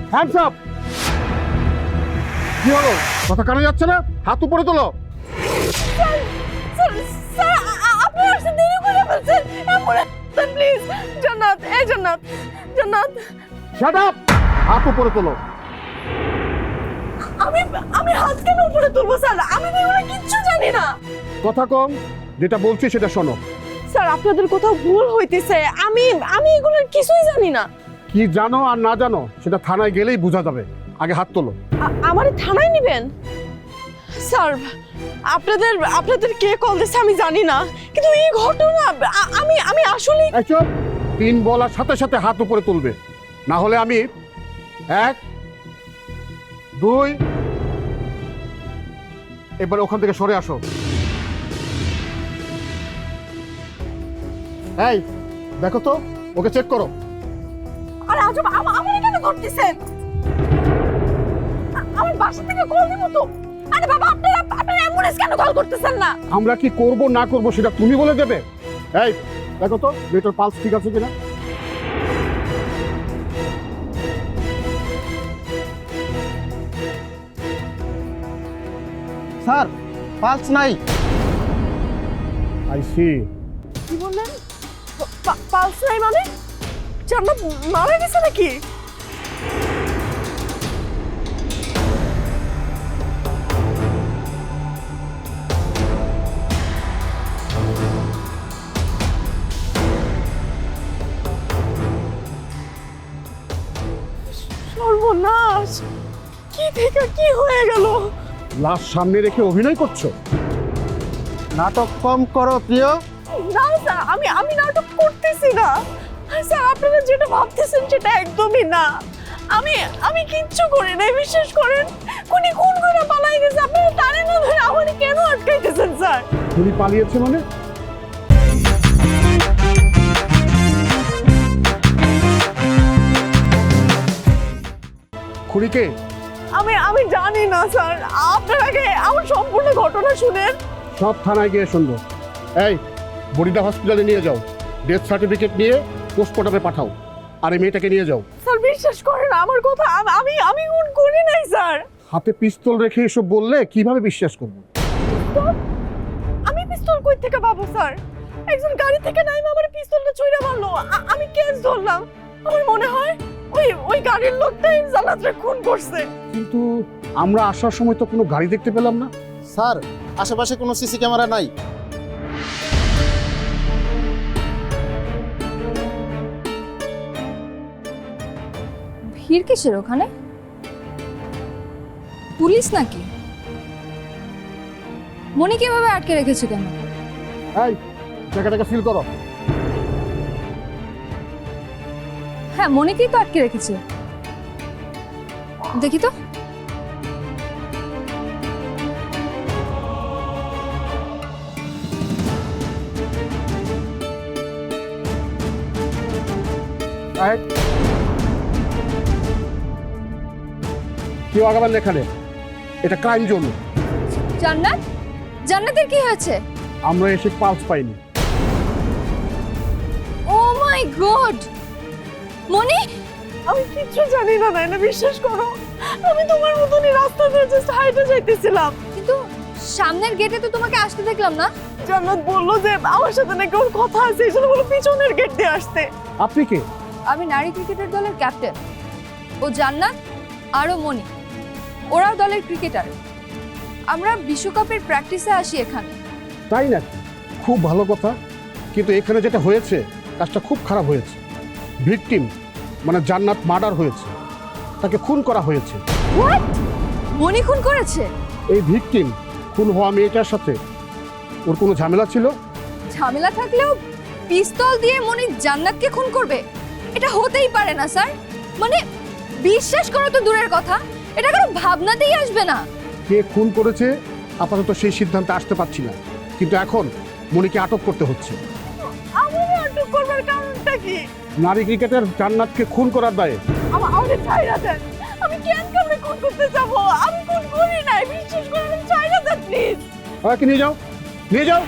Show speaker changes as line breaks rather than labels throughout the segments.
Hands up! কি হলো, কথা কানে যাচ্ছে না? হাত উপরে তোলো।
আপনি আসতে দেরি করে ফেলছেন। Ambulance please. জান্নাত, এই জান্নাত, জান্নাত।
Shut up! হাত উপরে তোলো।
আমি আমি হাত কেন উপরে তুলবো স্যার? আমি তো এগুলো কিচ্ছু জানি না।
কথা কম, যেটা বলছি সেটা শোনো।
স্যার আপনাদের কোথাও ভুল হইতেছে। আমি আমি এগুলোর কিছুই জানি না।
কি জানো আর না জানো সেটা থানায় গেলেই বোঝা যাবে। আগে হাত তোলো।
আমার থানায় নেবেন? স্যার আপনাদের আপনাদের কে কল দিচ্ছে আমি জানি না, কিন্তু এই ঘটনা আমি আমি আসলে
এই চুপ! 3 বলার সাথে সাথে হাত উপরে তুলবে, না হলে আমি 1 2 এবার ওখান থেকে সরে আসো। এই দেখো তো, ওকে চেক করো।
আরে আজব, আমার কেন ধরতেছেন? আমার বাসা থেকে কল দিব তো। আরে বাবা আপনারা অ্যাম্বুলেন্স কেন কল করতেছেন না?
আমরা কি করব না করব সেটা তুমি বলে দেবে। এই দেখো তো মেয়েটার পালস ঠিক আছে কিনা।
স্যার পালস নাই।
I see.
কি বললেন? পালস নাই মানে? জান্নাত মারা গেছে নাকি? সর্বনাশ! কি থেকে কি হয়ে গেল?
লাশ সামনে রেখে অভিনয় করছো?
নাটক কম করো প্রিয়।
না স্যার, আমি নাটক করতেছি না। স্যার আপনারা যেটা ভাবতেছেন সেটা একদমই না। আমি আমি কিচ্ছু করি নাই, বিশ্বাস করেন। কোনি খুন করে পালাই গেছে। আপনারা টানে না ধরে আমাকে কেন আটকাইতেছেন স্যার?
তুমি পালিয়েছে মানে? খুড়িকে?
আমি জানি না স্যার। আপনার আগে আমার সম্পূর্ণ ঘটনা শুনেন।
সব থানায় গিয়ে শুনবো। এই বরিদা হসপিটালে নিয়ে যাও, ডেথ সার্টিফিকেট নিয়ে পোস্টমর্টমে পাঠাও। আর এই মেয়েটাকে নিয়ে যাও।
স্যার বিশ্বাস করেন আমার কথা, আমি খুন করি নাই স্যার।
হাতে পিস্তল রেখে এসব বললে কিভাবে বিশ্বাস করবো?
তো আমি পিস্তল কই থেকে পাবো স্যার? একজন গাড়ি থেকে নাইমা আমার পিস্তলটা ছুঁড়ে মারলো। আমি কেস ধরলাম। আমার মনে হয় ওই গাড়ির লোকটাই জান্নাতরে খুন করছে।
কিন্তু আমরা আসার সময় তো কোনো গাড়ি দেখতে পেলাম না।
স্যার আশেপাশে কোনো সিসি ক্যামেরা নাই।
ভিড় কিসের ওখানে? পুলিশ নাকি? মনিকে এভাবে আটকে রেখেছে কেন?
এই জায়গাটাকে ফিল করো।
হ্যাঁ মনিকেই তো আটকে রেখেছে। দেখি তো।
এই, কেউ আগাবার লেখা নেই, এটা ক্রাইম জোন।
জান্নাত, জান্নাতের কি হয়েছে?
আমরা এসে পালস পাইনি।
ও মাই গড! মনি,
আমি কিচ্ছু জানি না নাইনা, বিশ্বাস করো। আমি তোমার মতনই রাস্তা দিয়ে জাস্ট হাইটে যাইতেছিলাম।
কিন্তু সামনের গেটে তো তোমাকে আসতে দেখলাম না।
জান্নাত বললো যে আমার সাথে নাকি ওর কথা আছে, এই জন্য বলো পিছনের গেট দিয়ে আসতে।
আপনি কে?
আমি নারী ক্রিকেটের দলের ক্যাপ্টেন। ও জান্নাত আরও মনি, ওরাও দলের ক্রিকেটার। আমরা বিশ্বকাপের প্র্যাকটিসে আসি এখানে।
তাই নাকি? খুব ভালো কথা, কিন্তু এখানে যেটা হয়েছে কাজটা খুব খারাপ হয়েছে। ভিকটিম মানে জান্নাত মার্ডার হয়েছে, তাকে খুন করা হয়েছে।
হোয়াট? মনি খুন করেছে?
এই ভিকটিম খুন হওয়া মেয়েটার সাথে ওর কোনো ঝামেলা ছিল?
ঝামেলা থাকলেও পিস্তল দিয়ে মনি জান্নাতকে খুন করবে? এটা হতেই পারে না স্যার। মানে বিশ্বাস করো তো দূরের কথা, এটা কোনো ভাবনাতেই আসবে না।
কে খুন করেছে আপাতত সেই সিদ্ধান্তে আসতে পারছি না, কিন্তু এখন মনিকে আটক করতে হচ্ছে।
আমাকে আটক করবার কারণটা কি?
নারী ক্রিকেটার জান্নাতকে খুন করার দায়ে।
আমাকে ছাইরা দেন। আমি কেন কাউকে খুন করতে যাবো? আমি খুন করি নাই, বিশ্বাস করেন। ছাইরা দেন প্লিজ।
ওকে নিয়ে যাও, নিয়ে যাও।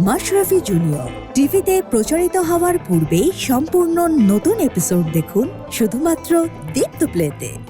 মাশরাফি জুনিয়র টিভিতে প্রচারিত হওয়ার পূর্বেই সম্পূর্ণ নতুন এপিসোড দেখুন শুধুমাত্র দীপ্ত প্লেতে।